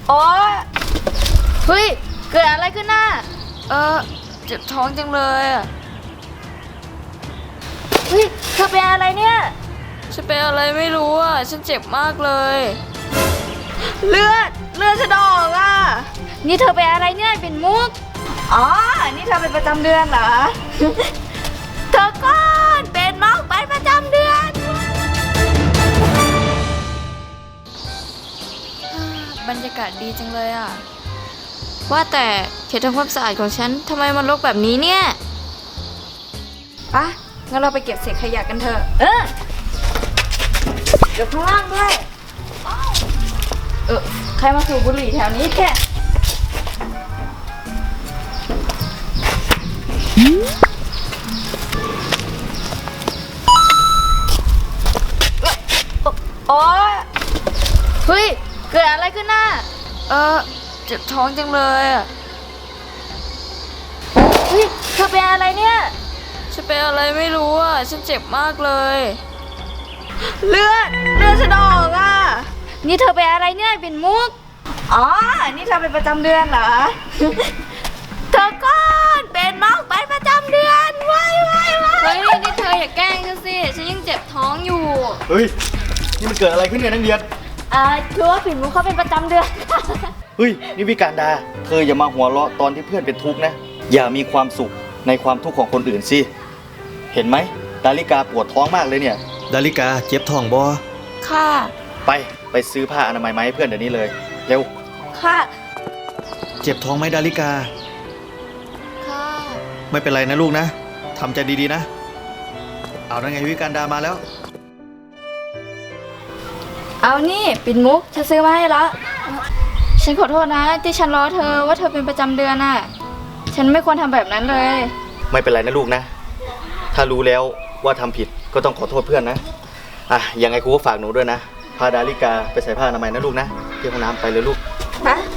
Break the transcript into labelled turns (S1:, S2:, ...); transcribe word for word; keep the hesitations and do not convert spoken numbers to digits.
S1: โอ๊ยเฮ้ยเกิดอะไรขึ้นน่ะเออเจ็บท้องจังเลยอ่ะเฮ้ยเธอเป็นอะไรเนี่ยฉันเป็นอะไรไม่รู้อ่ะฉันเจ็บมากเลยเลือดเลือดฉันออกอ่ะนี่เธอเป็นอะไรเนี่ยเป็นมุกอ๋อนี่เธอเป็นประจำเดือนเหรอ เธอก่อนเป็นมุกเป็นประจำเดือนบรรยากาศดีจังเลยอ่ะว่าแต่เขตทำความสะอาดของฉันทำไมมันรกแบบนี้เนี่ยปะงั้นเราไปเก็บเศษขยะกันเถอะเออเก็บข้างล่างด้วยเออใครมาสูบบุหรี่แถวนี้แค่โอ๊ยเฮ้ยเกิดอะไรขึ้นน่ะเออเจ็บท้องจังเลยอ่ะเฮ้ยเธอเป็นอะไรเนี่ยฉันเป็นอะไรไม่รู้อ่ะฉันเจ็บมากเลยเลือดเลือดฉันออกอ่ะนี่เธอเป็นอะไรเนี่ยเป็นมุกอ๋อนี่เธอเป็นประจำเดือนเหรอ เธอก่อนเป็นมุกเป็นประจำเดือนว้ายว้ายว้ายเฮ้ยนี่เธออย่าแกล้งฉันสิฉันยังเจ็บท้องอยู่
S2: เฮ้ยนี่มันเกิดอะไรขึ้นเนี่ยนักเรียน
S1: อ่าคือว่าปิ่นมุกเขาเป็นประจำเดือน
S2: เฮ้ยนี่วิการดาเธออย่ามาหัวเราะตอนที่เพื่อนเป็นทุกข์นะอย่ามีความสุขในความทุกข์ของคนอื่นสิเห็นไหมดาริกาปวดท้องมากเลยเนี่ยดาริกาเจ็บท้องบ่
S1: ค่ะ
S2: ไปไปซื้อผ้าอนามัยมาให้เพื่อนเดี๋ยวนี้เลยเร็ว
S1: ค่ะ
S2: เจ็บท้องไหมดาริกา
S1: ค่ะ
S2: ไม่เป็นไรนะลูกนะทำใจดีๆนะเอาได้ไงวิการดามาแล้ว
S1: เอานี่ปิ่นมุกฉันซื้อมาให้แล้วฉันขอโทษนะที่ฉันล้อเธอว่าเธอเป็นประจำเดือนน่ะฉันไม่ควรทำแบบนั้นเลย
S2: ไม่เป็นไรนะลูกนะถ้ารู้แล้วว่าทำผิดก็ต้องขอโทษเพื่อนนะอ่ะยังไงครูก็ฝากหนูด้วยนะพาดาริกาไปใส่ผ้าอนามัยนะลูกนะที่ห้องน้ำไปเลยลูก
S1: ฮะ